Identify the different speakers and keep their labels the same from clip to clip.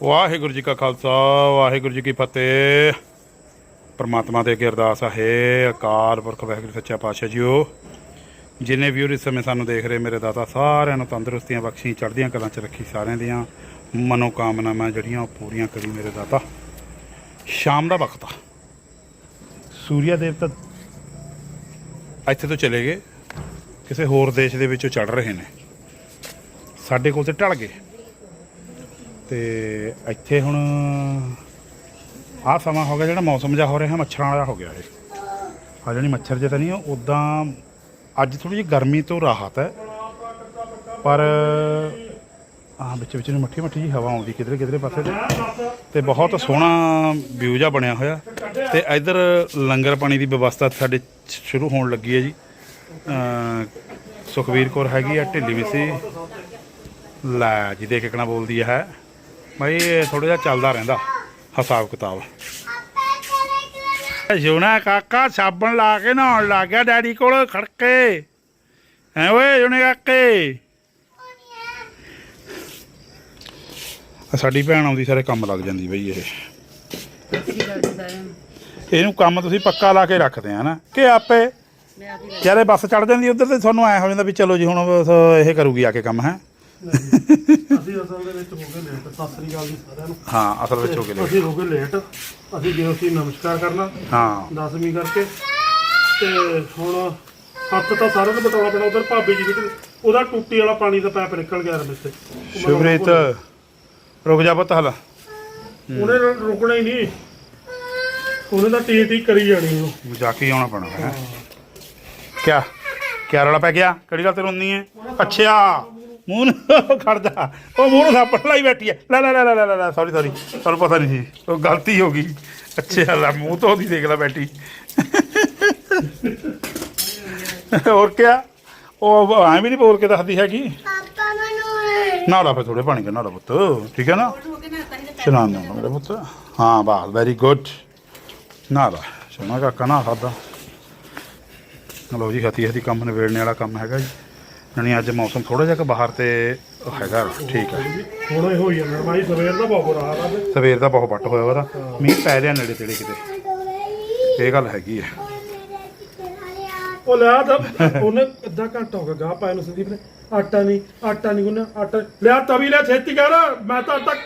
Speaker 1: ਵਾਹਿਗੁਰੂ ਜੀ ਕਾ ਖਾਲਸਾ ਵਾਹਿਗੁਰੂ ਜੀ ਕੀ ਫਤਿਹ। परमात्मा दे अगे अरदास है अकाल पुरख वाहिगुरू सच्चा पातशाह जीओ जिन्हें व्यूअर इस समय सानू देख रहे मेरे दाता सारिਆਂ ਨੂੰ तंदुरुस्तियां बख्शी चढ़दियां कलां च रखी सारिਆਂ ਦੀਆਂ मनोकामनावां ਜਿਹੜੀਆਂ ਉਹ ਪੂਰੀਆਂ ਕਰੀ ਮੇਰੇ दाता। शाम ਦਾ वक्त आ सूर्य देवता ਇੱਥੇ ਤੋਂ ਚਲੇ ਗਏ ਕਿਸੇ ਹੋਰ ਦੇਸ਼ ਦੇ ਵਿੱਚੋਂ ਚੜ ਰਹੇ ਨੇ ਸਾਡੇ ਕੋਲ ਤੇ ਢਲ ਗਏ ਤੇ ਇੱਥੇ ਹੁਣ ਆਹ ਸਮਾਂ ਹੋ ਗਿਆ ਜਿਹੜਾ ਮੌਸਮ ਜਿਹਾ ਹੋ ਰਿਹਾ ਮੱਛਰਾਂ ਵਾਲਾ ਹੋ ਗਿਆ ਇਹ ਆ ਜਾਣੀ ਮੱਛਰ ਜੇ ਤਾਂ ਨਹੀਂ ਉੱਦਾਂ ਅੱਜ ਥੋੜੀ ਜਿਹੀ ਗਰਮੀ ਤੋਂ ਰਾਹਤ ਹੈ ਪਰ ਆਹ ਵਿੱਚ ਵਿੱਚ ਨੂੰ ਮੱਠੀ ਮੱਠੀ ਜੀ ਹਵਾ ਆਉਂਦੀ ਕਿਧਰੇ ਕਿਧਰੇ ਪਾਸੇ ਤੇ ਬਹੁਤ ਸੋਹਣਾ ਵਿਊ ਜਿਹਾ ਬਣਿਆ ਹੋਇਆ ਤੇ ਇੱਧਰ ਲੰਗਰ ਪਾਣੀ ਦੀ ਵਿਵਸਥਾ ਸਾਡੇ ਸ਼ੁਰੂ ਹੋਣ ਲੱਗੀ ਹੈ ਜੀ। ਸੁਖਵੀਰ ਕੌਰ ਹੈਗੀ ਆ ਢਿੱਲੀ ਮਿੱਸੀ ਲੈ ਜੀ ਦੇਖ ਕਿਕਣਾ ਬੋਲਦੀ ਹੈ ਭਾਈ ਥੋੜਾ ਜਿਹਾ ਚੱਲਦਾ ਰਹਿੰਦਾ हिसाब किताब। जुना काका साबन ला के नहाउण लग गया डैडी कोल खड़के है ओए जुने काके साडी भैन आउंदी सारे काम लग जांदी बई ਇਹਨੂੰ ਕੰਮ ਤੁਸੀਂ ਪੱਕਾ ਲਾ ਕੇ ਰੱਖਦੇ ਆ ਨਾ ਕਿ ਆਪੇ ਜਿਹੜੇ ਬੱਸ ਚੜ ਜਾਂਦੀ ਉਧਰ ਤੇ ਤੁਹਾਨੂੰ ਐ ਹੋ ਜਾਂਦਾ ਵੀ ਚਲੋ ਜੀ ਹੁਣ ਇਹ ਕਰੂਗੀ ਆ ਕੇ ਕੰਮ ਹੈ।
Speaker 2: ਅਸੀਂ ਅਸਲ ਦੇ ਵਿੱਚ ਹੋ ਗਏ ਲੇਟ। ਸਤਿ ਸ੍ਰੀ ਅਕਾਲ ਜੀ ਸਾਰਿਆਂ ਨੂੰ।
Speaker 1: ਹਾਂ ਅਸਲ ਵਿੱਚ ਹੋ ਗਏ ਲੇਟ।
Speaker 2: ਅਸੀਂ ਹੋ ਗਏ ਲੇਟ। ਅਸੀਂ ਗਏ ਸੀ ਨਮਸਕਾਰ ਕਰਨਾ
Speaker 1: ਹਾਂ
Speaker 2: 10ਵੀਂ ਕਰਕੇ ਤੇ ਹੁਣ ਹੱਥ ਤਾਂ ਸਾਰਿਆਂ ਨੂੰ ਬਟਾਉਣਾ ਪੈਣਾ। ਉਧਰ ਭਾਬੀ ਜੀ ਵਿੱਚ ਉਹਦਾ ਟੂਟੀ ਵਾਲਾ ਪਾਣੀ ਦਾ ਪਾਈਪ ਨਿਕਲ ਗਿਆ ਰਮੇਸ਼।
Speaker 1: ਸ਼ੁਭਰੀਤ ਰੁਕ ਜਾ ਪੁੱਤ ਹਲਾ
Speaker 2: ਉਹਨੇ ਰੁਕਣਾ ਹੀ ਨਹੀਂ ਉਹਨੇ ਤਾਂ ਟੀ ਟੀ ਕਰੀ ਜਾਣੀ ਉਹ
Speaker 1: ਜਾ ਕੇ ਆਉਣਾ ਪੈਣਾ ਹੈ। ਕਿਆ ਕਿਆ ਰੌਲਾ ਪੈ ਗਿਆ ਕਿਹੜੀ ਗੱਲ ਤੇ ਰੋਂਦੀ ਹੈ ਅੱਛਾ ਮੂੰਹ ਨੂੰ ਖੜ ਜਾ ਉਹ ਮੂੰਹ ਨੂੰ ਥਾਪੜ ਲਾਈ ਬੈਠੀ ਹੈ ਲੈ ਲੈ ਲੈ ਲੈ ਲੈ ਲੈ ਸੌਰੀ ਤੁਹਾਨੂੰ ਪਤਾ ਨਹੀਂ ਸੀ ਉਹ ਗਲਤੀ ਹੋ ਗਈ। ਅੱਛਾ ਲੈ ਮੂੰਹ ਤੋਂ ਉਹਦੀ ਦੇਖ ਲੈ ਬੈਠੀ ਹੋਰ ਕਿਆ ਉਹ ਐਂ ਵੀ ਨਹੀਂ ਬੋਲ ਕੇ ਦੱਸਦੀ ਹੈਗੀ ਨਾ ਲਾ ਫਿਰ ਥੋੜੇ ਪਾਣੀ ਕੇ ਨਾ ਲਾ ਪੁੱਤ ਠੀਕ ਹੈ ਨਾ ਚਲਾ ਨਾ ਮੇਰੇ ਪੁੱਤ ਹਾਂ ਬਾਲ ਵੈਰੀ ਗੁੱਡ ਨਾ ਲਾ ਸੋਨਾ ਕਾਕਾ ਨਾ ਖਾਦਾ। ਲਓ ਜੀ ਹਤੀ ਹਤੀ ਕੰਮ ਨਿਬੇੜਨੇ ਵਾਲਾ ਕੰਮ ਹੈਗਾ ਜੀ। ਨਹੀਂ ਅੱਜ ਮੌਸਮ ਥੋੜਾ ਜਿਹਾ ਕਿ ਬਾਹਰ ਤੇ ਹੈਗਾ ਠੀਕ ਹੈ
Speaker 2: ਹੁਣ ਇਹ ਹੋਈ ਜਾਂਦਾ ਭਾਈ ਸਵੇਰ ਦਾ ਬਹੁਤ ਬੁਰਾ ਹਾਲ ਆ
Speaker 1: ਸਵੇਰ ਦਾ ਬਹੁਤ ਵੱਟ ਹੋਇਆ ਉਹਦਾ ਮੀਂਹ ਪੈ ਰਿਹਾ ਨੇੜੇ ਤੇੜੇ ਕਿਤੇ ਇਹ ਗੱਲ ਹੈਗੀ ਹੈ।
Speaker 2: ਉਹ ਲਿਆ ਤਾਂ ਉਹਨੇ ਅੱਧਾ ਘੰਟਾ ਹੋ ਗਿਆ ਗਾਹ ਪਾਇਆ ਨੂੰ ਸੰਦੀਪ ਨੇ ਆਟਾ ਨਹੀਂ ਗੁੰਨਿਆ ਆਟਾ ਲਿਆ ਤਵੀ ਲਿਆ ਛੇਤੀ ਕਰ ਮੈਂ ਤਾਂ ਆਟਾ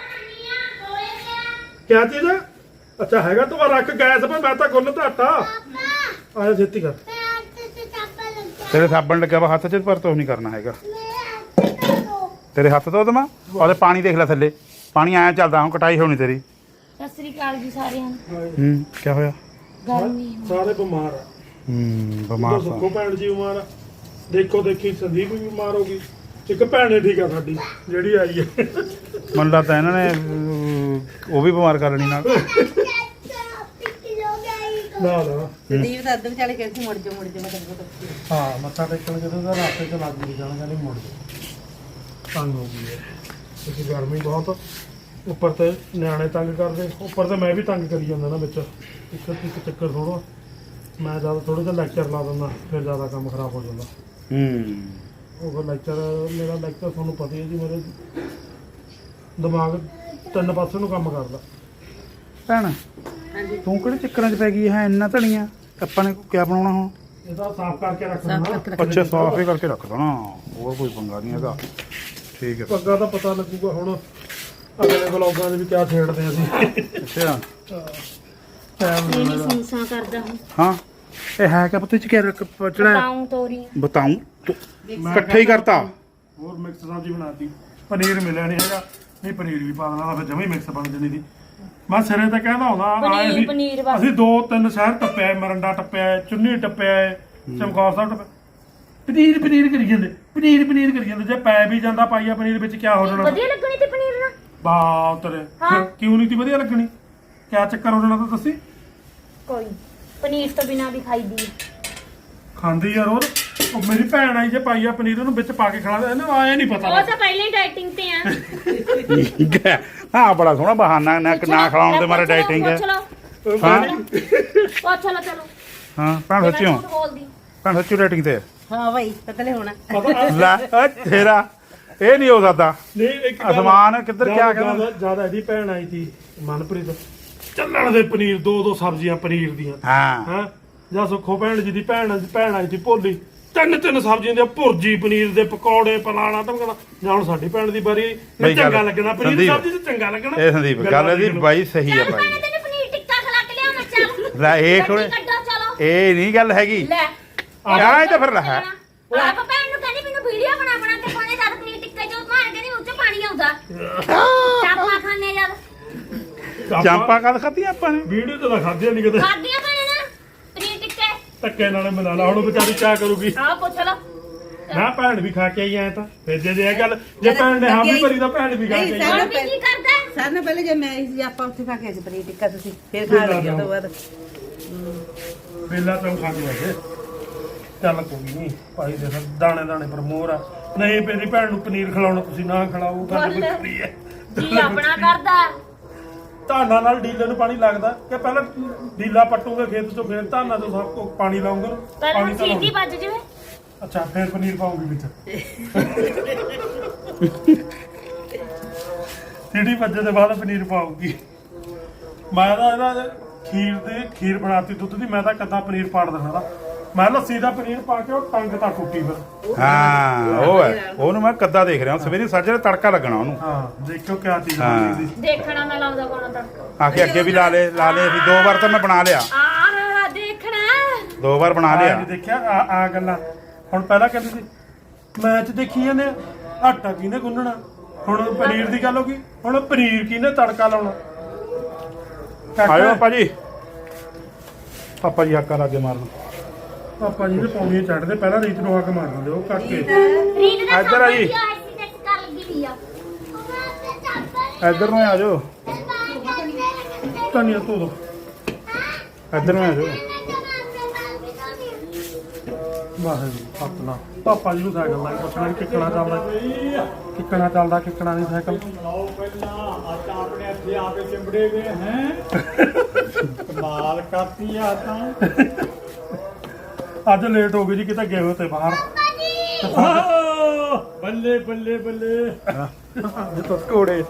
Speaker 2: ਕਿਆ ਚੀਜ਼ ਹੈ ਅੱਛਾ ਹੈਗਾ ਤੂੰ ਰੱਖ ਗੈਸ 'ਤੇ ਮੈਂ ਤਾਂ ਗੁੰਨ ਤਾਂ ਆਟਾ ਆਇਆ ਛੇਤੀ ਕਰ
Speaker 1: ਤੇਰੇ ਸਾਬਣ ਲੱਗਿਆ ਵਾ ਹੱਥ 'ਚ ਪਰ ਤੋ ਨਹੀਂ ਕਰਨਾ ਹੈਗਾ ਤੇਰੇ ਹੱਥ ਤੋਂ ਦਮਾ ਉਹਦੇ ਪਾਣੀ ਦੇਖ ਲੈ ਥੱਲੇ ਪਾਣੀ ਆਇਆ ਚੱਲਦਾ ਹੁਣ ਕਟਾਈ ਹੋਣੀ ਤੇਰੀ।
Speaker 3: ਸਤਿ ਸ੍ਰੀ ਅਕਾਲ ਜੀ ਸਾਰਿਆਂ ਨੂੰ।
Speaker 1: ਕੀ ਹੋਇਆ
Speaker 3: ਗਰਮੀ
Speaker 2: ਸਾਰੇ ਬਿਮਾਰ ਆ
Speaker 1: ਬਿਮਾਰ
Speaker 2: ਸੁੱਖੋ ਭੈਣ ਜੀ ਬਿਮਾਰ ਆ ਦੇਖੋ ਦੇਖੀ ਸੰਦੀਪ ਵੀ ਬਿਮਾਰ ਹੋ ਗਈ ਇੱਕ ਭੈਣੇ ਠੀਕ ਆ ਸਾਡੀ ਜਿਹੜੀ ਆਈ ਹੈ
Speaker 1: ਮੈਨੂੰ ਲੱਗਦਾ ਇਹਨਾਂ ਨੇ ਉਹ ਵੀ ਬਿਮਾਰ ਕਰ ਲੈਣੀ ਨਾਲ
Speaker 2: ਨਾ
Speaker 4: ਸੰਦੀਪ ਤਾਂ ਅੱਧ ਵਿਚਾਲੇ ਕਹਿੰਦੀ ਮੁੜ ਜਾ ਮਤਲਬ
Speaker 2: ਹਾਂ ਮੱਥਾ ਟੇਕਣ ਜਦੋਂ ਦਾ ਰਾਸਤੇ ਚ ਲੱਗ ਨਹੀਂ ਜਾਣਾ ਕਹਿੰਦੀ ਮੁੜ ਜਾ ਤੰਗ ਹੋ ਗਈ ਹੈ ਕਿਉਂਕਿ ਗਰਮੀ ਬਹੁਤ ਉੱਪਰ ਤੇ ਨਿਆਣੇ ਤੰਗ ਕਰਦੇ ਉੱਪਰ ਤੇ ਮੈਂ ਵੀ ਤੰਗ ਕਰੀ ਜਾਂਦਾ ਨਾ ਵਿੱਚ ਇੱਕ ਚੱਕਰ ਥੋੜਾ ਮੈਂ ਜ਼ਿਆਦਾ ਥੋੜਾ ਜਿਹਾ ਲੈਕਚਰ ਲਾ ਦਿੰਦਾ ਫਿਰ ਜ਼ਿਆਦਾ ਕੰਮ ਖਰਾਬ ਹੋ ਜਾਂਦਾ। ਉਹ ਮੇਰਾ ਲੈਕਚਰ ਤੁਹਾਨੂੰ ਪਤਾ ਹੀ ਹੈ ਜੀ ਮੇਰੇ ਦਿਮਾਗ ਤਿੰਨ ਪਾਸੇ ਨੂੰ ਕੰਮ ਕਰਦਾ।
Speaker 1: ਭੈਣ ਤੂੰ ਕਿਹੜੇ ਚੱਕਰਾਂ 'ਚ ਪੈ ਗਈ ਹੈ ਇੰਨਾ ਧਣੀਆਂ ਆਪਾਂ ਨੇ ਕਿਆ ਬਣਾਉਣਾ ਹੁਣ
Speaker 2: ਇਹਦਾ ਸਾਫ਼ ਕਰਕੇ ਰੱਖਣਾ
Speaker 1: ਅੱਛਾ ਸਾਫ਼ ਹੀ ਕਰਕੇ ਰੱਖ ਦੇਣਾ ਹੋਰ ਕੋਈ ਪੰਗਾ ਨਹੀਂ ਹੈਗਾ ਠੀਕ ਹੈ।
Speaker 2: ਪੱਗਾ ਤਾਂ ਪਤਾ ਲੱਗੂਗਾ ਹੁਣ ਅਗਲੇ ਵਲੋਗਾਂ ਦੇ ਵੀ ਕਿਆ ਛੇੜਦੇ ਆ ਅਸੀਂ।
Speaker 1: ਅੱਛਾ
Speaker 3: ਇਹ ਨਹੀਂ ਸੰਸਾ ਕਰਦਾ ਹੁਣ
Speaker 1: ਹਾਂ ਇਹ ਹੈ ਕਿ ਪਤਾ ਚ ਕਿਆ ਚੜਾ
Speaker 3: ਪਾਉਂ ਤੋਰੀ
Speaker 1: ਬਤਾਉਂ ਇਕੱਠੇ ਹੀ ਕਰਤਾ
Speaker 2: ਹੋਰ ਮਿਕਸ ਸਬਜ਼ੀ ਬਣਾਤੀ ਪਨੀਰ ਮਿਲਿਆ ਨਹੀਂ ਹੈਗਾ ਨਹੀਂ ਪਨੀਰ ਵੀ ਪਾ ਦੇਣਾ ਫਿਰ ਜਮੇ ਮਿਕਸ ਬਣ ਜਣੀ ਦੀ ਮੈਂ ਸਿਰੇ ਤੇ ਕਹਿੰਦਾ ਹੁੰਦਾ ਆਏ
Speaker 3: ਪਨੀਰ ਬਸ
Speaker 2: ਅਸੀਂ 2-3 ਸ਼ਹਿਰ ਟੱਪਿਆ ਮਰੰਡਾ ਟੱਪਿਆ ਚੁੰਨੀ ਟੱਪਿਆ ਚਮਕੌਰ ਸਾਹਿਬ ਟੱਪਿਆ ਪਨੀਰ ਕਰੀ ਜਾਂਦੇ ਜੇ ਪੈ ਵੀ ਜਾਂਦਾ ਪਾਈਆ ਪਨੀਰ ਵਿੱਚ ਕਿਆ ਹੋ ਜਾਣਾ
Speaker 3: ਵਧੀਆ ਲੱਗਣੀ ਤੇ ਪਨੀਰ ਨਾਲ
Speaker 2: ਬਾਤ ਰੇ ਕਿਉਂ ਨਹੀਂ ਤੀ ਵਧੀਆ ਲੱਗਣੀ ਕਿਆ ਚੱਕਰ ਹੋ ਜਾਣਾ ਤਾਂ ਦੱਸੀ
Speaker 3: ਕੋਈ ਪਨੀਰ ਤੋਂ ਬਿਨਾ ਵੀ ਖਾਈਦੀ
Speaker 2: ਖਾਂਦੀ ਯਾਰ ਉਹ ਮੇਰੀ ਭੈਣ ਆਈ ਜੇ ਪਾਈਆ ਪਨੀਰ ਉਹਨੂੰ ਵਿੱਚ ਪਾ ਕੇ ਖਾਣਾ ਇਹਨੂੰ ਆਏ ਨਹੀਂ ਪਤਾ
Speaker 3: ਉਹ ਤਾਂ ਪਹਿਲਾਂ ਹੀ ਡਾਈਟਿੰਗ ਤੇ ਆ
Speaker 1: ਹਾਂ ਬੜਾ ਸੋਹਣਾ ਬਹਾਨਾ ਨਾ ਖਿਲਾਉਣ ਦੇ ਮਾਰੇ ਡਾਈਟਿੰਗ ਹੈ
Speaker 3: ਹਾਂ ਚਲੋ
Speaker 1: ਹਾਂ ਭੈਣ ਸੱਚੀ ਡਾਈਟਿੰਗ ਤੇ
Speaker 4: ਹਾਂ ਭਾਈ ਪਤਲੇ ਹੋਣਾ
Speaker 1: ਲੈ ਤੇਰਾ ਇਹ ਨਹੀਂ ਹੋ ਸਕਦਾ
Speaker 2: ਨਹੀਂ ਇੱਕ ਗੱਲ-
Speaker 1: ਅਸਮਾਨ ਕਿੱਧਰ ਕਿਆ ਕਹਿੰਦਾ
Speaker 2: ਜਿਆਦਾ ਇਹਦੀ ਭੈਣ ਆਈ ਸੀ ਮਨਪ੍ਰੀਤ ਚੱਲਣ ਦੇ ਪਨੀਰ ਦੋ ਸਬਜ਼ੀਆਂ ਪਨੀਰ ਦੀਆਂ
Speaker 1: ਹਾਂ
Speaker 2: ਹਾਂ ਜਾਂ ਸੁੱਖੋ ਭੈਣ ਜੀ ਦੀ ਭੈਣ ਆਈ ਸੀ ਭੋਲੀ ਤਿੰਨ ਸਬਜ਼ੀਆਂ ਦੀਆਂ ਭੁਰਜੀ ਪਨੀਰ ਦੇ ਪਕੌੜੇ ਪਲਾਣਾ ਧਮਕਣਾ ਜਾਂ ਹੁਣ ਸਾਡੀ ਭੈਣ ਦੀ ਵਾਰੀ
Speaker 1: ਬਈ ਗੱਲ-
Speaker 2: ਚੰਗਾ ਲੱਗਣਾ ਪਨੀਰ ਦੀ
Speaker 1: ਸੰਦੀਪ,
Speaker 2: ਸਬਜ਼ੀ ਤੇ ਚੰਗਾ ਲੱਗਣਾ
Speaker 1: ਇਹ ਸੰਦੀਪ ਗੱਲ ਇਹਦੀ ਬਾਈ ਸਹੀ ਆ
Speaker 3: ਚੱਲ
Speaker 1: ਬਾਈ
Speaker 3: ਭੈਣੇ ਤੈਨੂੰ ਪਨੀਰ ਟਿੱਕਾ ਖਿਲਾ ਕੇ ਲਿਆਵਾਂ ਚੱਲ
Speaker 1: ਲੈ ਇਹ ਥੋੜੇ
Speaker 3: ਗੱਡੀ ਕੱਢੋ ਚਲੋ
Speaker 1: ਇਹ ਨਹੀਂ ਗੱਲ ਹੈਗੀ
Speaker 3: ਲੈ
Speaker 1: ਆਹ ਇਹ ਤਾਂ ਫਿਰ ਲੈ
Speaker 3: ਆਪ ਭੈਣ ਨੂੰ ਕਹਿੰਦੀ ਮੈਨੂੰ ਵੀਡੀਓ ਬਣਾ ਕੇ ਪਾਉਣੇ ਜਦ ਪਨੀਰ ਟਿੱਕਾ ਜੋ ਮਾਰ ਕਹਿੰਦੀ ਉੱਤੇ ਪਾਣੀ ਆਉਂਦਾ ਚਾਪਾ ਖਾਣੇ ਜਦ
Speaker 1: ਚਾਂਪਾਂ ਕਦ ਖਾਧੀਆਂ ਆਪਾਂ ਨੇ
Speaker 2: ਵੀਡੀਓ ਤਾਂ ਖਾਧੀਆਂ ਨਹੀਂ ਕਿਤੇ
Speaker 3: ਖਾਦੀਆਂ ਭੈਣੇ ਨਾ ਪਨੀਰ ਟਿੱਕੇ
Speaker 2: ਧੱਕੇ ਨਾਲੇ ਮਿਲਾ ਲਾ ਹੁਣ ਵਿਚਾਰੀ ਕਿਆ ਕਰੂਗੀ
Speaker 3: ਆਹ ਪੁੱਛ ਲਓ
Speaker 2: ਨਾ ਭੈਣ ਵੀ ਖਾ ਕੇ ਆਈ ਐ ਤਾਂ ਫਿਰ ਜੇ ਇਹ ਗੱਲ ਜੇ ਭੈਣ ਨੇ ਹਾਂ ਵੀ ਭਰੀ ਤਾਂ ਭੈਣ ਵੀ ਖਾ ਕੇ ਆਈ
Speaker 3: ਹੋਰ ਵੀ ਕੀ ਕਰਦਾ ਹੈ?
Speaker 4: ਸਾਰਿਆਂ ਨਾਲ ਪਹਿਲੇ ਜੇ ਮੈਂ ਆਈ ਸੀ ਆਪਾਂ ਉੱਥੇ ਖਾ ਕੇ ਆਏ ਸੀ ਪਨੀਰ ਟਿੱਕਾ ਤੁਸੀਂ ਫਿਰ ਖਾ ਲੱਗਿਆ ਤੋਂ ਬਾਅਦ
Speaker 2: ਵੇਲਾ ਤੋਂ ਖਾ ਕੇ ਆਏ ਚੱਲ ਕੋਈ ਨਹੀਂ ਭਾਈ ਦੇ ਦਾਣੇ ਦਾਣੇ ਪਰ ਮੋਹਰ ਆ ਨਹੀਂ ਮੇਰੀ ਭੈਣ ਨੂੰ ਪਨੀਰ ਖਿਲਾਉਣਾ ਤੁਸੀਂ ਨਾ ਖਿਲਾਓ ਗੱਲ
Speaker 3: ਬੋਲ।
Speaker 2: ਵੱਖਰੀ ਹੈ
Speaker 3: ਜੀ ਆਪਣਾ ਕਰਦਾ
Speaker 2: ਧਾਨਾਂ ਨਾਲ ਡੀਲੇ ਨੂੰ ਪਾਣੀ ਲੱਗਦਾ ਕਿ ਪਹਿਲਾਂ ਡੀਲਾ ਪੱਟੂਗੇ ਖੇਤ ਚੋਂ ਫਿਰ ਧਾਨਾਂ ਤੋਂ ਸਭ ਕੋ ਪਾਣੀ ਲਾਉਂਗੇ
Speaker 3: ਪਹਿਲਾਂ
Speaker 2: ਪਾਣੀ ਤਾਂ
Speaker 3: ਸੀਟੀ
Speaker 2: ਲਾਉਂਗੇ।
Speaker 3: ਵੱਜ ਜਵੇ
Speaker 2: ਅੱਛਾ ਫਿਰ ਪਨੀਰ ਪਾਉਂਗੀ ਵਿੱਚ ਸੀਟੀ ਵੱਜੇ ਦੇ ਬਾਅਦ ਪਨੀਰ ਪਾਉਂਗੀ ਮੈਂ ਤਾਂ ਇਹਦਾ ਖੀਰ ਬਣਾਤੀ ਦੁੱਧ ਦੀ ਮੈਂ ਤਾਂ ਕੱਦਾ ਪਨੀਰ ਪਾੜ ਦੇਣਾ ਦਾ ਮੈਂ ਲੱਸੀ ਦਾ ਪਨੀਰ ਪਾ ਕੇ ਉਹ ਟੰਗ ਤਾਂ ਟੁੱਟੀ ਫਿਰ
Speaker 1: ਹਾਂ ਉਹ ਹੈ ਉਹਨੂੰ ਮੈਂ ਕੱਦਾ ਦੇਖ ਰਿਹਾ ਸਵੇਰੇ ਸਾਜਰੇ ਤੜਕਾ ਲੱਗਣਾ ਉਹਨੂੰ
Speaker 2: ਹਾਂ ਦੇਖੋ ਕਿਆ ਚੀਜ਼
Speaker 1: ਹਾਂ।
Speaker 2: ਬਣੀ ਦੀ
Speaker 3: ਦੇਖਣਾ ਮੈਂ ਲਾਉਂਦਾ ਕੋਣਾ ਤੜਕਾ
Speaker 1: ਆਖੇ ਅੱਗੇ ਵੀ ਲਾ ਲੇ ਅਸੀਂ 2 ਵਾਰ ਤਾਂ ਮੈਂ ਬਣਾ ਲਿਆ
Speaker 3: ਆਹ ਦੇਖਣਾ
Speaker 1: 2 ਵਾਰ ਬਣਾ ਲਿਆ
Speaker 2: ਨਹੀਂ ਦੇਖਿਆ ਆ ਗੱਲਾਂ ਹੁਣ ਪਹਿਲਾਂ ਕਹਿੰਦੀ ਸੀ ਮੈਚ ਦੇਖੀ ਜਾਂਦੇ ਆ, ਆਟਾ ਕਿਹਨੇ ਗੁੰਨਣਾ ਹੁਣ ਪਨੀਰ ਦੀ ਗੱਲ ਹੋ ਗਈ ਹੁਣ ਪਨੀਰ ਕਿਹਨੇ ਤੜਕਾ ਲਾਉਣਾ
Speaker 1: ਆਇਓ ਭਾਜੀ ਪਾਪਾ ਜੀ ਹੱਕਾ ਲਾਗੇ ਮਾਰਨ
Speaker 2: ਪਾਪਾ ਜੀ ਨੇ ਪੌੜੀਆਂ ਚੜ੍ਹਦੇ ਪਹਿਲਾਂ ਰੀਤ ਨੂੰ ਹੱਕ ਮਾਰ ਦਿੰਦੇ ਉਹ ਕਾਕੇ
Speaker 3: ਰੀਤ ਦਾ
Speaker 1: ਇੱਧਰ ਆ ਜੀ।
Speaker 3: ਐਕਸੀਡੈਂਟ ਕਰ ਲੱਗੀ ਵੀ ਆ
Speaker 1: ਇੱਧਰ ਨੂੰ ਆ ਜਾਓ
Speaker 2: ਧਨੀਆ ਧੋ ਦੋ
Speaker 1: ਇੱਧਰ ਨੂੰ ਆ ਜਾਓ
Speaker 2: ਵਾਹਿਗੁਰੂ ਸਤਨਾਮ ਪਾਪਾ ਜੀ ਨੂੰ ਸਾਈਕਲ ਲਾ ਕੇ ਪੁੱਛਣਾ ਕਿੱਕਣਾ ਚੱਲਦਾ ਕਿੱਕਣਾ ਨਹੀਂ ਸਾਈਕਲ
Speaker 5: ਲਾਓ ਪਹਿਲਾਂ ਆਟਾ ਆਪਣੇ ਹੱਥੀ ਆਪੇ ਚਿੰਬੜੇ ਗਏ ਹੈ ਕਮਾਲ ਕਰਤੀ ਆ ਤਾਂ
Speaker 2: ਅੱਜ ਲੇਟ ਹੋ ਗਈ ਜੀ ਕਿਤੇ ਗਏ ਹੋਏ ਤੇ ਬਾਹਰ
Speaker 5: ਬੱਲੇ ਬੱਲੇ ਬੱਲੇ
Speaker 1: ਘੋੜੇ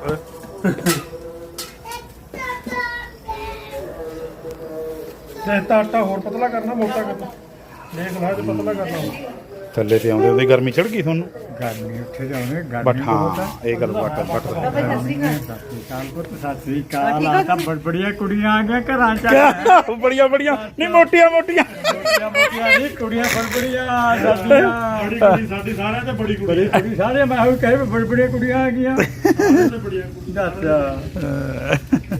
Speaker 2: ਤੇ ਤਾਂ ਆਟਾ ਹੋਰ ਪਤਲਾ ਕਰਨਾ ਮੋਟਾ ਕਰਨਾ ਦੇਖ ਲਾ ਜੇ ਪਤਲਾ ਕਰਨਾ
Speaker 1: ਥੱਲੇ ਤੇ ਆਉਂਦੇ ਉਹਦੀ ਗਰਮੀ ਚੜ ਗਈ ਤੁਹਾਨੂੰ
Speaker 5: ਗਰਮੀ ਉੱਥੇ ਜਾਣੇ
Speaker 1: ਬਟ
Speaker 5: ਗਰਮੀ
Speaker 1: ਹਾਂ ਇਹ ਗੱਲ ਵੱਟ
Speaker 4: ਬਾਬਾ ਸਤਿ ਸ੍ਰੀ ਅਕਾਲ
Speaker 5: ਕਾਲ ਪੁੱਤ ਸਤਿ ਸ੍ਰੀ ਅਕਾਲ ਆ ਤਾਂ ਬੜੀਆਂ ਕੁੜੀਆਂ ਆ ਗਈਆਂ ਘਰਾਂ ਚ
Speaker 1: ਬੜੀਆਂ ਬੜੀਆਂ ਨਹੀਂ ਮੋਟੀਆਂ ਮੋਟੀਆਂ
Speaker 5: ਮੋਟੀਆਂ ਮੋਟੀਆਂ ਨਹੀਂ ਕੁੜੀਆਂ ਬੜਬੜੀਆਂ ਸਾਡੀਆਂ
Speaker 2: ਬੜੀ ਕੁੜੀ ਸਾਡੀ ਸਾਰਿਆਂ ਤੇ ਬੜੀ ਕੁੜੀ
Speaker 5: ਬੜੀ ਕੁੜੀ ਸਾਰੇ ਮੈਂ ਉਹ ਕਹੇ ਬੜਬੜੀਆਂ ਕੁੜੀਆਂ ਆ ਗਈਆਂ
Speaker 2: ਸਾਰਿਆਂ ਤੇ ਬੜੀਆਂ ਕੁੜੀ
Speaker 5: ਦੱਸ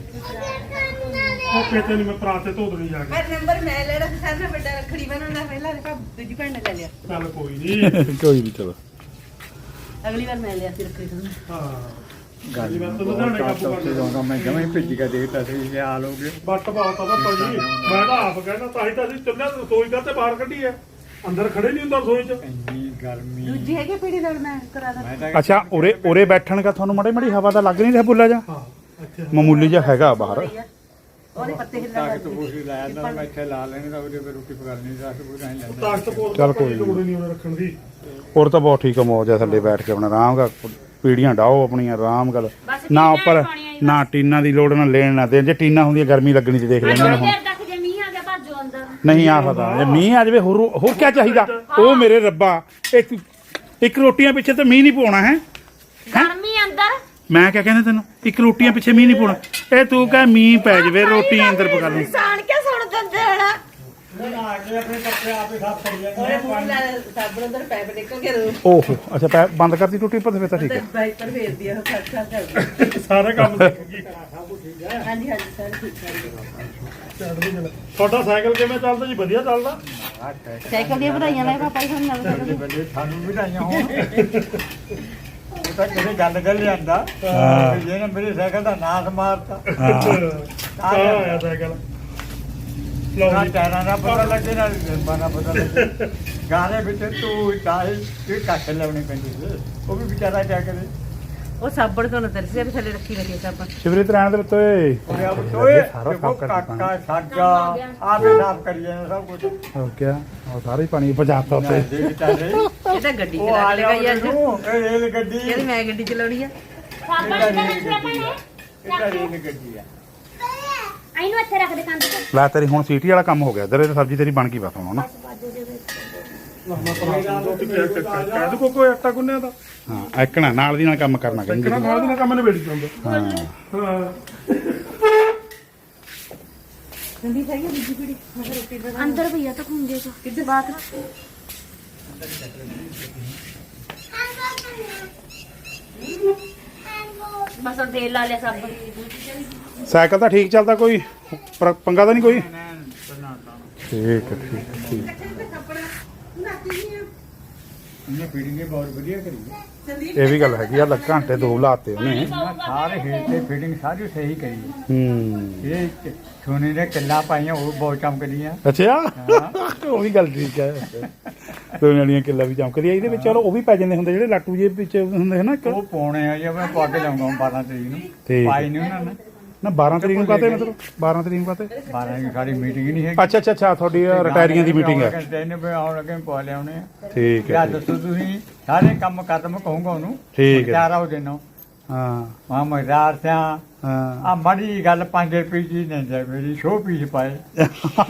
Speaker 2: ਉਹ ਕਿਤੇ ਨਹੀਂ ਮੈਂ ਪਰਾਤੇ ਧੋ ਦੇਣੀ ਜਾ ਕੇ
Speaker 4: ਮੈਂ ਨੰਬਰ ਮੈਂ ਲੈਣਾ ਸੀ ਸਾਰਿਆਂ ਨਾਲ ਵੱਡਾ ਰੱਖੜੀ ਬਣਾਉਣਾ ਪਹਿਲਾਂ ਤੇ ਦੂਜੀ ਭੈਣ ਨੇ ਲੈ ਲਿਆ
Speaker 2: ਚੱਲ ਕੋਈ ਨਹੀਂ
Speaker 1: ਕੋਈ ਨਹੀਂ ਚਲੋ
Speaker 4: ਅਗਲੀ ਵਾਰ ਮੈਂ ਲਿਆ ਸੀ ਰੱਖੜੀ ਤੋਂ
Speaker 2: ਹਾਂ
Speaker 5: ਗਰਮੀ
Speaker 2: ਮੈਂ ਤਾਂ
Speaker 5: ਬਹੁਤ
Speaker 2: ਲੁਧਿਆਣੇ
Speaker 5: ਘੱਟ
Speaker 2: ਕਾਬੂ
Speaker 5: ਉੱਥੇ ਜਾਊਂਗਾ ਮੈਂ ਜਮਾਂ ਹੀ ਭਿੱਜ ਕੇ ਦੇਖਤਾ ਸੀ ਇਹ ਹਾਲ ਹੋ ਗਏ
Speaker 2: ਬੱਟ ਬਹੁਤ ਆ ਪਾਪਾ ਜੀ ਮੈਂ ਤਾਂ ਆਪ ਕਹਿੰਦਾ ਤਾਂ ਹੀ ਤਾਂ ਅਸੀਂ ਚੱਲਿਆ ਰਸੋਈ ਦਾ ਤੇ ਬਾਹਰ ਕੱਢੀ ਐ ਅੰਦਰ ਖੜੇ ਨਹੀਂ ਹੁੰਦਾ ਰਸੋਈ 'ਚ
Speaker 5: ਇੰਨੀ ਗਰਮੀ
Speaker 4: ਦੂਜੀ ਹੈਗੀ ਪੀੜੀ ਲੜਨਾ ਕਰਾ ਦਾ
Speaker 5: ਮੈਂ ਤਾਂ
Speaker 1: ਅੱਛਾ ਉਰੇ ਬੈਠਣ ਦਾ ਤੁਹਾਨੂੰ ਮਾੜੀ ਮਾੜੀ ਹਵਾ ਦਾ ਲੱਗ ਨਹੀਂ ਰਿਹਾ ਬੁੱਲਾ ਜਾ
Speaker 2: ਹਾਂ ਅੱਛਾ
Speaker 1: ਮਾਮੂਲੀ ਜਿਹਾ ਹੈਗਾ ਬਾਹਰ
Speaker 4: ਉਹਦੇ ਪੱਤੇ ਹਿੱਲਣ
Speaker 5: ਤਾਕਤ ਪੂਰੀ ਲਾਇਆ ਨਾ ਮੈਂ ਇੱਥੇ ਲਾ ਲੈਣੇ ਤਾਂ ਉਹਦੇ ਤੇ ਰੋਟੀ ਪਕਾਉਣੀ ਰਾਤ ਪੂਰੀ ਨਹੀਂ ਲੈਂਦਾ
Speaker 2: ਤਾਕਤ ਪੋਲ
Speaker 1: ਚੱਲ ਕੋਈ
Speaker 2: ਲੋੜ ਨਹੀਂ ਉਹਨੇ ਰੱਖਣ ਦੀ
Speaker 1: ਹੋਰ ਤਾਂ ਬਹੁਤ ਠੀਕ ਆ ਮੌਜ ਆ ਥੱਲੇ ਬੈਠ ਕੇ ਆਪਣਾ ਆਰਾਮ ਨਾਲ ਪੀੜੀਆਂ ਡਾਓ ਆਪਣੀਆਂ ਆਰਾਮ ਗੱਲ ਨਾ ਉੱਪਰ ਨਾ ਟੀਨਾਂ ਦੀ ਲੋੜ ਨਾ ਲੈਣ ਨਾ ਦੇ ਜੇ ਟੀਨਾਂ ਹੁੰਦੀਆਂ ਗਰਮੀ ਲੱਗਣੀ ਤੇ ਦੇਖ ਲੈਂਦੇ ਨੇ ਹੁਣ
Speaker 3: ਦੇਰ ਤੱਕ ਜੇ ਮੀਂਹ ਆ ਗਿਆ ਭੱਜੋ ਅੰਦਰ
Speaker 1: ਨਹੀਂ ਆ ਪਤਾ ਜੇ ਮੀਂਹ ਆ ਜਾਵੇ ਹੋਰ ਕੀ ਚਾਹੀਦਾ ਉਹ ਮੇਰੇ ਰੱਬਾ ਇੱਕ ਰੋਟੀਆਂ ਪਿੱਛੇ ਤੇ ਮੀਂਹ ਨਹੀਂ ਪਾਉਣਾ ਹੈ
Speaker 3: ਗਰਮੀ ਅੰਦਰ
Speaker 1: ਮੈਂ ਕਿਆ ਕਹਿੰਦਾ ਤੈਨੂੰ ਇੱਕ ਰੋਟੀਆਂ ਪਿੱਛੇ ਮੀਂਹ ਨਹੀਂ ਪਾਉਣਾ ਇਹ ਤੂੰ ਕਹ ਮੀਂਹ ਪੈ ਜਾਵੇ ਰੋਟੀ ਅੰਦਰ ਪਕਾ ਲਈ
Speaker 3: ਸਾਣ ਕੇ ਸੁਣ ਦਿੰਦੇ ਹਣਾ
Speaker 5: ਆ ਕੇ ਆਪਣੇ ਕੱਪੜੇ ਆਪੇ ਸਾਫ ਕਰੀ ਜਾਂਦੇ
Speaker 4: ਉਹਨੇ ਮੂੰਹ ਨਾਲ ਸਾਬਣ ਅੰਦਰ ਪੈਪ ਨਿਕਲ ਕੇ ਰੋ
Speaker 1: ਓਹੋ ਅੱਛਾ ਬੰਦ ਕਰਤੀ ਟੁੱਟੀ ਪਰ ਫਿਰ ਤਾਂ ਠੀਕ ਹੈ
Speaker 4: ਬਾਈਪਰ ਫੇਰਦੀ ਆ ਉਹ ਖੜ ਖੜ
Speaker 2: ਸਾਰੇ ਕੰਮ ਸਿੱਖ ਗਈ
Speaker 4: ਹਾਂਜੀ ਹਾਂਜੀ ਸਰ ਠੀਕ ਹੈ
Speaker 2: ਚੜ੍ਹਦੀ ਕਲਾ। ਤੁਹਾਡਾ ਸਾਈਕਲ ਕਿਵੇਂ ਚੱਲਦਾ ਜੀ ਵਧੀਆ ਚੱਲਦਾ
Speaker 4: ਸਾਈਕਲ ਦੀਆਂ ਵਧਾਈਆਂ ਲੈ ਪਾਪਾ ਜੀ ਸਾਨੂੰ ਨਵੇਂ ਸਾਈਕਲ
Speaker 5: ਬੱਲੇ ਸਾਨੂੰ ਵੀ ਲਾਈਆਂ ਹੋਣ ਉਹ ਤਾਂ ਕਿਸੇ ਗੱਲ ਕਰ ਲਿਆਂਦਾ ਜਿਹਨੇ ਮੇਰੇ ਸਾਈਕਲ ਦਾ ਨਾਸ ਮਾਰਤਾ
Speaker 2: ਆ ਆਇਆ ਸਾਈਕਲ ਲਓ
Speaker 5: ਨਾ
Speaker 2: ਜੀ
Speaker 5: ਟਾਇਰਾਂ ਦਾ ਪਤਾ ਲੱਗੇ ਨਾ ਰਿੰਬਾਂ ਦਾ ਪਤਾ ਲੱਗੇ ਗਾਣੇ ਵਿੱਚ ਤੂੰ ਚਾਹੇ ਕਿ ਕੱਖ ਲਾਉਣੇ ਪੈਂਦੇ ਸੀ ਉਹ ਵੀ ਵਿਚਾਰਾ ਕਿਆ ਕਰੇ
Speaker 4: ਉਹ ਸਾਬਣ ਤੋਂ ਨਾ ਤਰਸੇ ਵੀ ਥੱਲੇ ਰੱਖੀ ਰੱਖੀ ਸਾਬਣ।
Speaker 1: ਸ਼ਿਵਰੀਤ ਰਹਿਣ ਦੇ ਵਿੱਚ ਓਏ
Speaker 5: ਓਏ ਆ ਬਚੋਏ
Speaker 1: ਸਾਰਾ
Speaker 5: ਦੇਖੋ
Speaker 1: ਸਾਫ਼ ਕਰ ਦਿੱਤਾ।
Speaker 5: ਕਾਕਾ ਸਾਡਾ ਆ ਵੀ ਸਾਫ ਕਰੀ ਜਾਣਾ ਸਭ ਕੁਝ
Speaker 1: ਹੋ ਗਿਆ ਉਹ ਸਾਰਾ ਹੀ ਪਾਣੀ ਭਜਾਤਾ ਉੱਤੇ
Speaker 5: ਦੇ ਵਿਚਾਰੇ
Speaker 4: ਇਹ ਤਾਂ ਗੱਡੀ
Speaker 5: ਉਹ
Speaker 4: ਚਲਾ
Speaker 5: ਆ
Speaker 4: ਕੇ
Speaker 5: ਜਾ
Speaker 4: ਲਗਾਈ ਅੱਜ।
Speaker 5: ਇਹ ਰੇਲ ਗੱਡੀ
Speaker 4: ਕਹਿੰਦੀ ਮੈਂ ਗੱਡੀ ਚਲਾਉਣੀ ਆ।
Speaker 3: ਸਾਬਣ ਕਿੱਥੇ ਰੱਖਿਆ ਭੈਣੇ
Speaker 5: ਇਹ ਤਾਂ ਰੇਲ ਗੱਡੀ ਆ
Speaker 3: ਇਹਨੂੰ ਇੱਥੇ ਰੱਖ ਦੇ ਕੰਧ ਤੇ
Speaker 1: ਲੈ ਤੇਰੀ ਹੁਣ ਸੀਟੀ ਵਾਲਾ ਕੰਮ ਹੋ ਗਿਆ ਇੱਧਰ ਇਹ ਸਬਜ਼ੀ ਤੇਰੀ ਬਣ ਗਈ ਬਸ ਹੁਣ ਨਾ
Speaker 2: ਕਹਿ ਦੋ ਕੋਈ ਆਟਾ ਗੁੰਨਿਆ ਦਾ
Speaker 1: ਹਾਂ ਐਕਣਾ ਨਾਲ ਦੀ ਨਾਲ ਕੰਮ ਕਰਨਾ ਕਹਿੰਦੀ
Speaker 2: ਕਿਹੜਾ ਨਾਲ ਦੀ ਨਾਲ ਕੰਮ ਨਿਬੇੜੀ ਜਾਂਦਾ
Speaker 1: ਹਾਂ
Speaker 2: ਹਾਂ
Speaker 4: ਗੰਦੀ ਖਾਈ ਆ ਦੂਜੀ ਪੀੜੀ ਮਗਰ ਰੋਟੀ ਬਣਾ।
Speaker 3: ਅੰਦਰ ਭਈਆ ਤਾਂ ਖੁੰਝੇ ਚ ਕਿੱਧਰ ਬਾਤ ਬਸ ਉਹ ਤੇਲ ਲਾ ਲਿਆ ਸਾਬਣ
Speaker 1: ਸਾਈਕਲ ਤਾਂ ਠੀਕ ਚੱਲਦਾ ਕੋਈ ਪੰਗਾ ਤਾਂ ਨਹੀਂ ਕੋਈ ਠੀਕ ਹੈ ਠੀਕ
Speaker 5: ਇਹਨੇ ਫੀਡਿੰਗ ਬਹੁਤ ਵਧੀਆ ਕਰੀ
Speaker 1: ਇਹ ਵੀ ਗੱਲ ਹੈਗੀ ਆ ਘੰਟੇ 2 ਲਾਤੇ ਉਹਨੇ
Speaker 5: ਸਾਰੇ ਹੀਟ ਤੇ ਫੀਡਿੰਗ ਸਾਰੀ ਸਹੀ ਕਰੀ
Speaker 1: ਹੂੰ
Speaker 5: ਇਹ ਸੋਨੇ ਦੇ ਕਿੱਲਾ ਪਾਈਆਂ ਉਹ ਬਹੁਤ ਚਮਕਦੀਆਂ
Speaker 1: ਅੱਛਾ ਉਹ ਵੀ ਗੱਲ ਠੀਕ ਹੈ ਦੋਨਾਂ ਵਾਲੀਆਂ ਕਿੱਲਾ ਵੀ ਚਮਕਦੀ ਆ ਇਹਦੇ ਵਿੱਚ ਚਲੋ ਉਹ ਵੀ ਪੈ ਜਾਂਦੇ ਹੁੰਦੇ ਜਿਹੜੇ ਲਾਟੂ ਜੇ ਵਿੱਚ ਹੁੰਦੇ ਹਨ ਇੱਕ
Speaker 5: ਉਹ ਪਾਉਣੇ ਆ ਜੇ ਮੈਂ ਪਾ ਕੇ ਲਾਉਂਗਾ 12 ਤਰੀਕ ਨੂੰ
Speaker 1: ਠੀਕ।
Speaker 5: ਪਾਈ ਨਹੀਂ ਉਹਨਾਂ ਨੇ
Speaker 1: ਨਾ 12 ਤਰੀਕ ਨੂੰ ਕਾਤੇ ਮਤਲਬ 12 ਤਰੀਕ ਨੂੰ ਕਾਤੇ
Speaker 5: 12 ਦੀ ਸਾਡੀ ਮੀਟਿੰਗ ਨਹੀਂ ਹੈਗੀ
Speaker 1: ਅੱਛਾ ਤੁਹਾਡੀ ਰਿਟਾਇਰੀਆਂ ਦੀ ਮੀਟਿੰਗ ਹੈ
Speaker 5: ਕਹਿੰਦੇ ਵੀ ਆਉਣ ਲੱਗੇ ਪਾ ਲਿਆਉਣੇ ਆ
Speaker 1: ਠੀਕ
Speaker 5: ਯਾ
Speaker 1: ਹੈ
Speaker 5: ਦੱਸੋ ਤੁਸੀਂ ਸਾਰੇ ਕੰਮ ਖਤਮ ਕਹੂੰਗਾ ਉਹਨੂੰ
Speaker 1: ਠੀਕ ਹੈ।
Speaker 5: ਚਾਰਾ ਹੋ ਦੇਣਾ
Speaker 1: ਹਾਂ
Speaker 5: ਮਾਂ ਮਜ਼ਾਰ ਸਿਆ
Speaker 1: ਹਾਂ
Speaker 5: ਆ ਮਾੜੀ ਗੱਲ 5 ਰੁਪਏ ਦੀ ਨਹੀਂ ਜਾ ਮੇਰੀ ਸ਼ੋ ਪੀਸ ਪਾਏ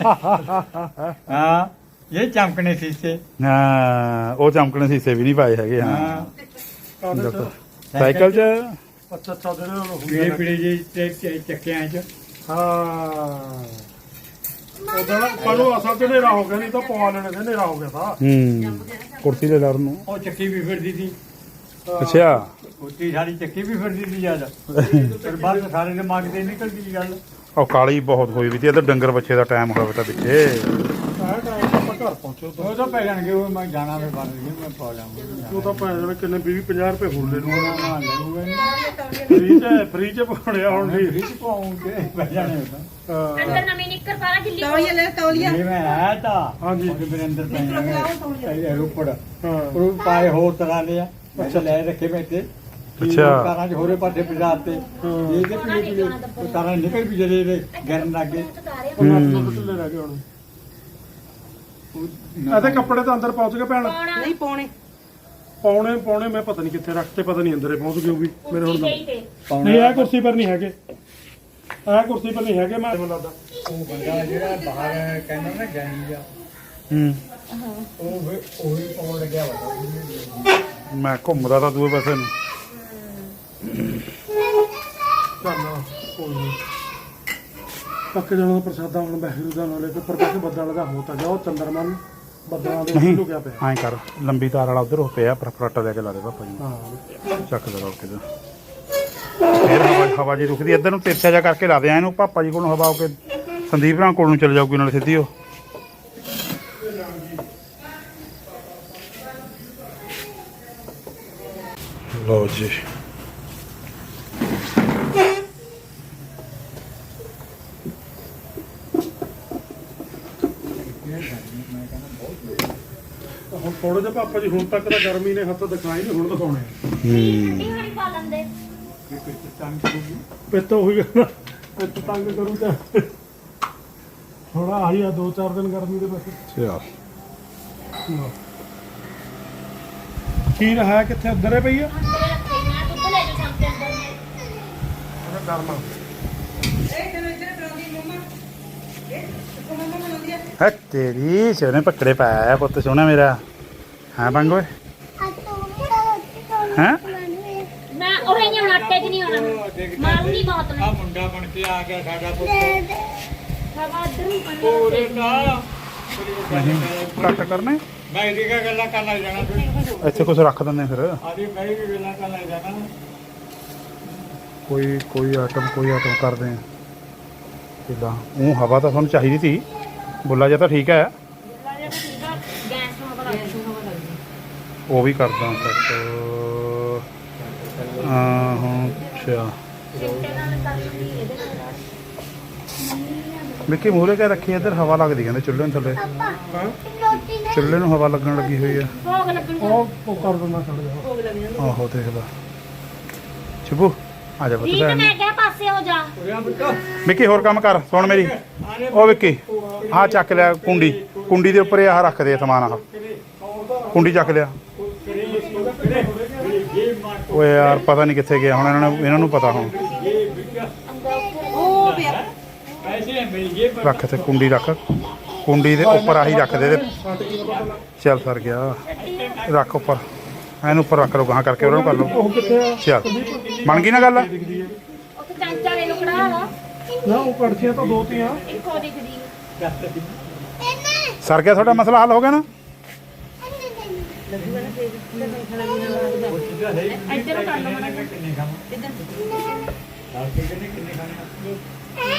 Speaker 5: ਹਾਂ ਇਹ ਚਮਕਣੇ ਸੀਸੇ
Speaker 1: ਹਾਂ ਉਹ ਚਮਕਣੇ ਸੀਸੇ ਵੀ ਨਹੀਂ ਪਾਏ ਹੈਗੇ ਹਾਂ
Speaker 5: ਹਾਂ
Speaker 1: ਦੱਸੋ। ਸਾਈਕਲ 'ਚ
Speaker 2: ਅੱਛਾ ਜਿਹੜੇ ਉਹ
Speaker 5: ਪੀੜੇ ਪੀੜੇ ਜੇ ਚੱਕਿਆਂ 'ਚ
Speaker 2: ਹਾਂ ਉਹਦਾ ਪਰੋ ਅਸਲ ਤੇ ਹਨੇਰਾ ਹੋ ਗਿਆ ਨਹੀਂ ਤਾਂ ਪਵਾ ਲੈਣੇ ਤੇ ਹਨੇਰਾ ਹੋ ਗਿਆ ਤਾਂ
Speaker 1: ਹੂੰ ਕੁਰਸੀ ਦੇ ਲੜ ਨੂੰ
Speaker 5: ਉਹ ਚੱਕੀ ਵੀ ਫਿਰਦੀ ਸੀ
Speaker 1: ਅੱਛਾ
Speaker 5: ਉੱਤੀ ਸਾਡੀ ਚੱਕੀ ਵੀ ਫਿਰਦੀ ਸੀ ਯਾਰ ਫਿਰ ਬਾਅਦ ਸਾਰੇ ਦੇ ਦਿਮਾਗ ਤੇ ਨਿਕਲਦੀ ਸੀ ਗੱਲ
Speaker 1: ਉਹ ਕਾਲੀ ਬਹੁਤ ਹੋਈ ਵੀ ਤੇ ਇੱਧਰ ਡੰਗਰ ਬੱਚੇ ਦਾ ਟਾਈਮ ਹੋਇਆ ਤਾਂ ਪਿੱਛੇ
Speaker 2: ਆਹ ਟਾਈਮ ਆਪਾਂ ਘਰ ਪਹੁੰਚੋ
Speaker 5: ਉਹ ਤਾਂ ਪੈ ਜਾਣਗੇ ਉਹ ਮੈਂ ਜਾਣਾ ਵੀ ਬੰਦ ਨਹੀਂ ਮੈਂ ਪਾ ਲਾਂਗਾ
Speaker 2: ਉਹ ਤਾਂ ਪੈ ਜਾਣੇ ਕਿੰਨੇ 20-50 ਰੁਪਏ ਹੋਰ ਲੈ ਲੂਗਾ
Speaker 5: ਨਾ ਲੈਊਗਾ
Speaker 2: ਫ੍ਰੀ ਚ ਬਣਿਆ ਹੁਣ ਵੀ
Speaker 5: ਵਿੱਚ ਪਾਉਂਗੇ ਪੈ ਜਾਣੇ ਉਹ ਤਾਂ
Speaker 3: ਅੰਦਰ ਨਵੀਂ ਨਿੱਕਰ ਪਾਲਾ ਗਿੱਲੀ
Speaker 4: ਤੌਲੀਆ ਲੈ ਤੌਲੀਆ।
Speaker 5: ਇਹ ਮੈਂ ਆਇਆ ਤਾਂ
Speaker 2: ਹਾਂਜੀ।
Speaker 5: ਉਹਦੇ ਮੇਰੇ ਅੰਦਰ ਪੈ ਜਾਣੇ ਰੋਪੜ
Speaker 2: ਹਾਂ
Speaker 5: ਉਹ ਪਾਏ ਹੋਰ ਤਰ੍ਹਾਂ ਦੇ ਆ ਅੱਛਾ ਲੈ ਰੱਖੇ ਬੈਠੇ
Speaker 1: ਅੱਛਾ।
Speaker 5: ਕਾਰਾਂ 'ਚ ਹੋਰੇ ਪਾਸੇ ਬਾਜ਼ਾਰ ਤੇ ਇਹ ਤੇ ਪੀਲੇ ਪੀਲੇ ਉਹ ਕਾਰਾਂ ਨਿਕਲ ਵੀ ਜਿਹੜੇ ਗਰਨ ਲੱਗੇ
Speaker 2: ਉਹ ਲੱਤ ਢਿੱਲੇ ਰਹਿ ਗਏ ਹੁਣ ਇਹਦੇ ਕੱਪੜੇ ਤਾਂ ਅੰਦਰ ਪਹੁੰਚ ਗਏ ਭੈਣ
Speaker 4: ਨਹੀਂ ਪਾਉਣੇ।
Speaker 2: ਪੌਣੇ ਮੈਂ ਪਤਾ ਨਹੀਂ ਕਿੱਥੇ ਰੱਖਤੇ ਪਤਾ ਨਹੀਂ ਅੰਦਰੇ ਪਹੁੰਚ ਗਏ ਉਹ ਵੀ ਮੇਰੇ ਹੁਣ
Speaker 3: ਗਈ ਤੇ
Speaker 2: ਨਹੀਂ ਇਹ ਕੁਰਸੀ ਪਰ ਨਹੀਂ ਹੈਗੇ ਇਹ ਕੁਰਸੀ ਪਰ ਨਹੀਂ ਹੈਗੇ ਮੈਂ ਮੈਨੂੰ ਲੱਗਦਾ
Speaker 5: ਉਹ ਬੰਦਾ ਜਿਹੜਾ ਬਾਹਰ ਕਹਿੰਦਾ ਨਾ ਜਾਨੀ ਆ
Speaker 1: ਹੂੰ
Speaker 5: ਉਹ ਹੀ ਪਾਉਣ ਲੱਗਿਆ ਵਾ
Speaker 1: ਮੈਂ ਘੁੰਮਦਾ ਤਾਂ ਦੂਏ ਪਾਸੇ ਨੂੰ
Speaker 2: ਚੱਲ ਕੋਈ ਨਹੀਂ ਪੱਕ ਜਾਣਾ ਦਾ ਪ੍ਰਸਾਦਾ ਹੁਣ ਬਹਿਰੂ ਦਾ ਨਾਲੇ ਤੇ ਪ੍ਰਕਾਸ਼ ਬੱਦਲ ਦਾ ਹੋ ਤਾਂ ਜਾ ਉਹ ਚੰਦਰਮਾ ਨੂੰ ਬੱਦਲਾਂ ਦੇ
Speaker 1: ਨਹੀਂ
Speaker 2: ਉੱਤੇ ਲੁਕਿਆ ਪਿਆ
Speaker 1: ਐਂ ਕਰ ਲੰਬੀ ਤਾਰ ਵਾਲਾ ਉਧਰ ਹੋ ਪਿਆ ਫਰਾਟਾ ਲੈ ਕੇ ਲਾ ਦੇ ਪਾਪਾ ਜੀ
Speaker 2: ਹਾਂ
Speaker 1: ਚੱਕ ਦੇ ਰੋਕ ਕੇ ਫੇਰ ਹਵਾ ਜੀ ਰੁਕਦੀ ਇੱਧਰ ਨੂੰ ਤਿਰਛਾ ਜਾ ਕਰਕੇ ਲਾ ਦੇ ਇਹਨੂੰ ਪਾਪਾ ਜੀ ਕੋਲ ਹਵਾ ਹੋ ਕੇ ਸੰਦੀਪ ਰਾਂ ਕੋਲ ਨੂੰ ਚਲੇ ਜਾਊਗੀ ਨਾਲੇ ਸਿੱਧੀ ਉਹ ਲਓ ਜੀ
Speaker 2: ਹੁਣ ਥੋੜੇ ਜਿਹਾ ਪਾਪਾ ਜੀ ਹੁਣ ਤੱਕ ਤਾਂ ਗਰਮੀ ਨੇ ਹੱਥ ਦਿਖਾਈ ਨਹੀਂ ਹੁਣ ਦਿਖਾਉਣੇ
Speaker 3: ਠੰਡੀ ਹਣੀ ਪਾ ਲੈਂਦੇ
Speaker 2: ਪਿੱਤ ਉਹੀ ਗੱਲ ਪਿੱਤ ਤੰਗ ਕਰੂ ਤਾਂ ਥੋੜਾ ਆਹੀ ਆ 2-4 ਦਿਨ ਗਰਮੀ ਦੇ ਬਸ
Speaker 1: ਚਲ
Speaker 2: ਖੀਰ ਹੈ ਕਿੱਥੇ ਅੰਦਰ ਹੈ ਪਈ ਆ
Speaker 3: ਅੰਦਰ ਰੱਖੇ ਮੈਂ ਦੁੱਧ ਲੈ ਜਾ ਸ਼ਾਮ ਦੇ ਅੰਦਰ
Speaker 2: ਉਹਦਾ ਗਰਮਾ
Speaker 4: ਇਹ ਚਲੋ ਇੱਧਰ ਕਰਾਉਂਦੀ ਮੰਮਾ। ਇਹ ਮੰਮਾ ਬਣਾਉਂਦੀ ਆ।
Speaker 1: ਹੈ ਤੇਰੀ ਸੋਨੇ ਪਕੜੇ ਪਾਇਆ ਪੁੱਤ ਸੋਹਣਾ ਮੇਰਾ ਹਾਂ ਬੰਗ ਓਏ ਹੈਂ
Speaker 3: ਮੈਂ ਉਹ ਨਹੀਂ ਹੁਣ ਆਟੇ 'ਚ ਨਹੀਂ ਹੋਣਾ ਮਾਰੂੰਗੀ ਬਹੁਤ
Speaker 5: ਆ
Speaker 3: ਮੈਂ
Speaker 5: ਮੁੰਡਾ ਬਣ ਕੇ ਆ ਗਿਆ ਸਾਡਾ ਪੁੱਤ
Speaker 3: ਹਵਾ ਅੰਦਰ ਨੂੰ
Speaker 5: ਪੂਰੇ ਦਾ
Speaker 1: ਨਹੀਂ ਕੱਟ ਕਰਨੇ
Speaker 5: ਮੈਂ ਇਹਦੀ ਕਿਆ ਗੱਲਾਂ ਕਰਨ ਲੱਗ ਜਾਣਾ ਫਿਰ
Speaker 1: ਇੱਥੇ ਕੁਝ ਰੱਖ ਦਿੰਦੇ ਫਿਰ
Speaker 5: ਆਦੀ ਮੈਂ ਵੀ ਗੱਲਾਂ ਕਰਨ ਲੱਗ ਜਾਣਾ
Speaker 1: ਕੋਈ ਆਈਟਮ ਕਰਦੇ ਆ ਕਿਦਾਂ ਉਹ ਹਵਾ ਤਾਂ ਤੁਹਾਨੂੰ ਚਾਹੀਦੀ ਸੀ ਬੁੱਲਾ ਜਿਹਾ ਤਾਂ ਠੀਕ ਹੈ
Speaker 3: ਗੈਸ ਨੂੰ ਹਵਾ ਲੱਗ
Speaker 1: ਉਹ ਵੀ ਕਰਦਾ ਸੈੱਟ ਹਾਂ ਅੱਛਾ
Speaker 3: ਚਿੱਟੇ ਨਾਲ ਕਰ ਲੂੰਗੀ ਇਹਦੇ ਨਾਲ
Speaker 1: ਵਿੱਕੀ ਮੂਹਰੇ ਕੇ ਰੱਖੀ ਇੱਧਰ ਹਵਾ ਲੱਗਦੀ ਕਹਿੰਦੇ ਚੁੱਲ੍ਹੇ ਨੂੰ ਥੱਲੇ ਚੁੱਲ੍ਹੇ ਨੂੰ ਹਵਾ ਲੱਗਣ ਲੱਗੀ ਹੋਈ ਆ
Speaker 3: ਭੋਗ ਲੱਗਣ
Speaker 2: ਉਹ ਕਰ ਦਿੰਦਾ ਛੱਡ ਜਾ
Speaker 4: ਭੋਗ ਲੱਗ ਜਾਂਦਾ।
Speaker 1: ਆਹੋ ਦੇਖਦਾ ਸ਼ੁਭੂ ਆ ਜਾ ਪੁੱਤ
Speaker 3: ਰੀਤ ਮੈਂ ਕਿਹਾ ਪਾਸੇ ਹੋ ਜਾ
Speaker 5: ਉਰਿਆ ਬੁੱਟੋ
Speaker 1: ਵਿੱਕੀ ਹੋਰ ਕੰਮ ਕਰ ਸੁਣ ਮੇਰੀ ਉਹ ਵਿੱਕੀ ਆਹ ਚੱਕ ਲਿਆ ਕੁੰਡੀ ਦੇ ਉੱਪਰ ਆਹ ਰੱਖ ਦੇ ਸਮਾਨ ਆਹ ਕੁੰਡੀ ਚੱਕ ਲਿਆ ਓਏ ਯਾਰ ਪਤਾ ਨਹੀਂ ਕਿੱਥੇ ਗਿਆ ਹੁਣ ਇਹਨਾਂ ਨੂੰ ਪਤਾ ਹੁਣ
Speaker 4: ਉਹ ਪਿਆ
Speaker 5: ਪੈਸੇ ਮਿਲ ਗਏ
Speaker 1: ਰੱਖ ਤੇ ਕੁੰਡੀ ਰੱਖ ਕੁੰਡੀ ਦੇ ਉੱਪਰ ਆਹੀ ਰੱਖ ਦੇ ਚੱਲ ਸਰ ਗਿਆ ਰੱਖ ਉੱਪਰ ਇਹਨੂੰ ਉੱਪਰ ਰੱਖ ਲਓ ਗਾਹਾਂ ਕਰਕੇ ਉਹਨਾਂ ਨੂੰ ਕਰ ਲਓ
Speaker 2: ਉਹ ਕਿੱਥੇ ਆ
Speaker 1: ਚੱਲ ਬਣ ਗਈ ਨਾ ਗੱਲ
Speaker 3: ਉੱਥੇ ਚਾਂਚਾ ਲੈ ਲੋ ਕੜਾ ਲਾ
Speaker 2: ਨਾ ਉਹ ਕੜਛੀਆਂ ਤਾਂ ਦੋ ਤੀਆਂ
Speaker 3: ਇੱਕੋ ਦਿਖਦੀ
Speaker 1: ਸਰ ਗਿਆ ਤੁਹਾਡਾ ਮਸਲਾ ਹੱਲ ਹੋ ਗਿਆ ਨਾ
Speaker 3: ਇੱਧਰ ਕਰ ਲਓ ਮੜਾ
Speaker 5: ਕਿੰਨੇ ਖਾਣਾ ਕਿੰਨੇ ਖਾਣੇ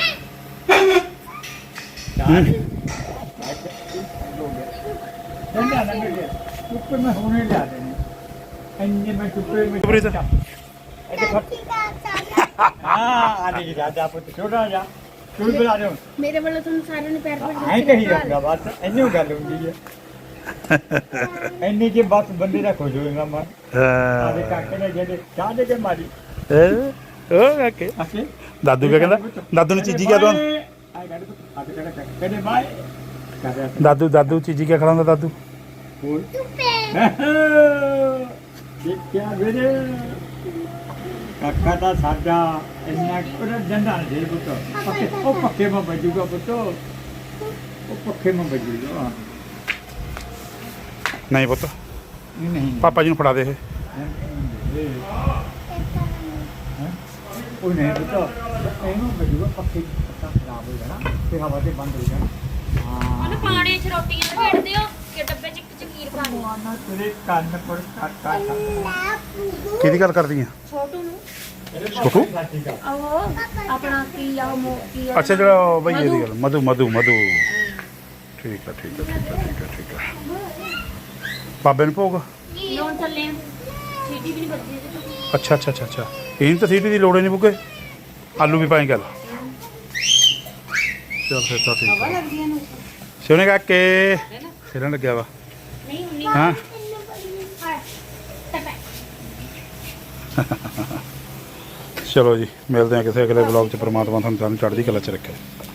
Speaker 5: ਨਾ ਨਾ ਮੇਰੇ ਉੱਪਰ ਮੈਂ ਹੋਣੇ ਲਾ ਦੇਣੇ ਇੰਨੇ ਮੈਂ ਉੱਪਰ ਮੈਂ
Speaker 1: ਪ੍ਰੀਤ
Speaker 5: ਹਾਂ ਆ ਨਹੀਂ ਰਾਜਾ ਪੁੱਤ ਛੋਟਾ ਜਾ ਤੂੰ ਬੁਲਾ ਦੇ
Speaker 3: ਮੇਰੇ ਵੱਲੋਂ ਤੁਹਾਨੂੰ ਸਾਰਿਆਂ ਨੂੰ ਪੈਰ ਪੜ
Speaker 5: ਐਂ ਕਹੀ ਜਾਂਦਾ ਬਸ ਇੰਨੀ ਗੱਲ ਹੁੰਦੀ ਹੈ ਇੰਨੀ ਕਿ ਬਸ ਬੰਦੇ ਦਾ ਖੁਸ਼ ਹੋਏਗਾ ਮਨ ਆਦੇ ਕਾਕੇ ਨੇ ਜਿਹੜੇ ਚਾਹ ਦੇ ਕੇ ਮਾਰੀ
Speaker 1: ਓ ਓਕੇ
Speaker 5: ਅਸੀਂ
Speaker 1: ਦਾਦੂ ਕਿਆ ਕਹਿੰਦਾ ਦਾਦੂ ਨੂੰ ਚੀਜੀ ਕਿਆ ਦੋ
Speaker 5: ਆਏ ਗਾੜੀ ਪੁੱਤ ਆਦੇ ਕਿਹੜਾ ਕਹਿੰਦੇ ਬਾਏ ਕਹਦੇ
Speaker 1: ਦਾਦੂ ਚੀਜੀ ਕਿਆ ਖਿਲਾਉਂਦਾ ਦਾਦੂ
Speaker 5: ਹੋਰ ਦੇਖਿਆ ਵੀਰੇ ਕਾਕਾ ਦਾ ਸਾਡਾ ਇੰਨਾ ਕੋਲ ਜੰਦਾ ਨਹੀਂ ਪੁੱਤ ਪੱਕੇ ਮਾ ਬਜੂਗਾ ਪੁੱਤ ਉਹ ਪੱਕੇ ਮਾ ਬਜੂਗਾ
Speaker 1: ਨਹੀਂ ਪੁੱਤ
Speaker 5: ਨਹੀਂ
Speaker 1: ਪਾਪਾ ਜੀ ਨੂੰ ਫੜਾ ਦੇ ਇਹ
Speaker 5: ਉਹ ਨਹੀਂ ਪੁੱਤ ਇਹਨੂੰ ਬਜੂਗਾ ਪੱਕੇ ਪੱਤਾ ਖਰਾਬ ਹੋ ਜਾਣਾ ਤੇ ਹਵਾ ਤੇ ਬੰਦ ਹੋ ਜਾਣਾ ਹਾਂ
Speaker 3: ਉਹਨੂੰ ਪਾਣੀ ਚ ਰੋਟੀਆਂ ਭੇੜ ਦਿਓ ਕਿ ਡੱਬੇ ਚ ਇੱਕ ਚਕੀਰ ਪਾ ਦਿਓ
Speaker 5: ਨਾ ਤੇਰੇ ਕੰਨ ਪਰ ਕਾਟਾ
Speaker 1: ਕਿਹਦੀ ਗੱਲ ਕਰਦੀ ਆ
Speaker 3: ਛੋਟੂ ਨੂੰ
Speaker 1: ਛੋਟੂ
Speaker 3: ਉਹ ਆਪਣਾ ਕੀ ਆ ਕੀ ਆ
Speaker 1: ਅੱਛਾ ਜਿਹੜਾ ਉਹ ਬਈ ਇਹਦੀ ਗੱਲ ਮਧੂ ਠੀਕ ਆ ਬਾਬੇ ਨੂੰ ਭੋਗ
Speaker 3: ਲੋਨ ਚੱਲੇ ਆ ਸੀਟੀ ਵੀ ਨਹੀਂ ਵੱਜਦੀ ਇਹਦੇ ਤੋਂ
Speaker 1: ਅੱਛਾ ਇਹਨੂੰ ਤਾਂ ਸੀਟੀ ਦੀ ਲੋੜ ਹੀ ਨਹੀਂ ਬੁੱਗੇ ਆਲੂ ਵੀ ਪਾਈ ਗੱਲ ਚੱਲ ਫਿਰ ਤਾਂ ਠੀਕ ਆ
Speaker 4: ਲੱਗਦੀਆਂ ਨੂੰ
Speaker 1: ਸੋਨੇ ਕਾਕੇ ਸਿਰਨ ਲੱਗਿਆ ਵਾ
Speaker 3: ਨਹੀਂ ਹੁੰਨੀ
Speaker 1: ਹਾਂ ਚਲੋ ਜੀ ਮਿਲਦੇ ਹਾਂ ਕਿਸੇ ਅਗਲੇ ਵਲੌਗ 'ਚ ਪ੍ਰਮਾਤਮਾ ਤੁਹਾਨੂੰ ਚੜ੍ਹਦੀ ਕਲਾ 'ਚ ਰੱਖੇ